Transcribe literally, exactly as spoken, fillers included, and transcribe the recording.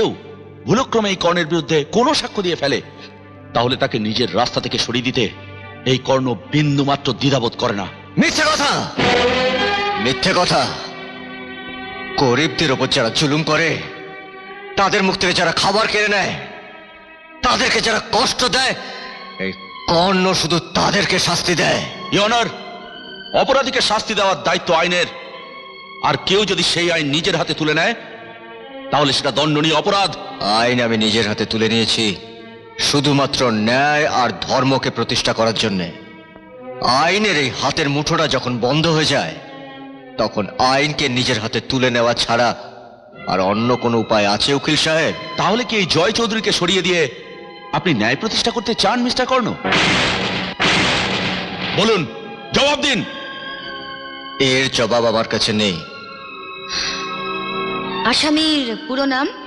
কেউ ভুলক্রমে এই কর্ণের বিরুদ্ধে কোনো সাক্ষ্য দিয়ে ফেলে, তাহলে তাকে নিজের রাস্তা থেকে সরিয়ে দিতে এই কর্ণ বিন্দু মাত্র দ্বিধাবোধ করে না। মিথ্যে কথা, মিথ্যে কথা। গরিবদের ওপর যারা জুলুম করে, তাদের মুখ থেকে যারা খাবার কেড়ে নেয়, তাদেরকে যারা কষ্ট দেয়, এই কর্ণ শুধু তাদেরকে শাস্তি দেয়। ইয়নার, অপরাধীকে শাস্তি দেওয়ার দায়িত্ব আইনের, আর কেউ যদি সেই আইন নিজের হাতে তুলে নেয় তাহলে সেটা দণ্ডনীয় অপরাধ। আইন আমি নিজের হাতে তুলে নিয়েছি শুধুমাত্র ন্যায় আর ধর্মকে প্রতিষ্ঠা করার জন্যে। আইনের এই হাতের মুঠোটা যখন বন্ধ হয়ে যায়, তখন আইনকে নিজের হাতে তুলে নেওয়া ছাড়া আর অন্য কোনো উপায় আছে উকিল সাহেব? তাহলে কি এই জয় চৌধুরীকে সরিয়ে দিয়ে আপনি ন্যায় প্রতিষ্ঠা করতে চান মিস্টার কর্ণ? বলুন, জবাব দিন। এর জবাব আমার কাছে নেই। আসামির পুরো নাম?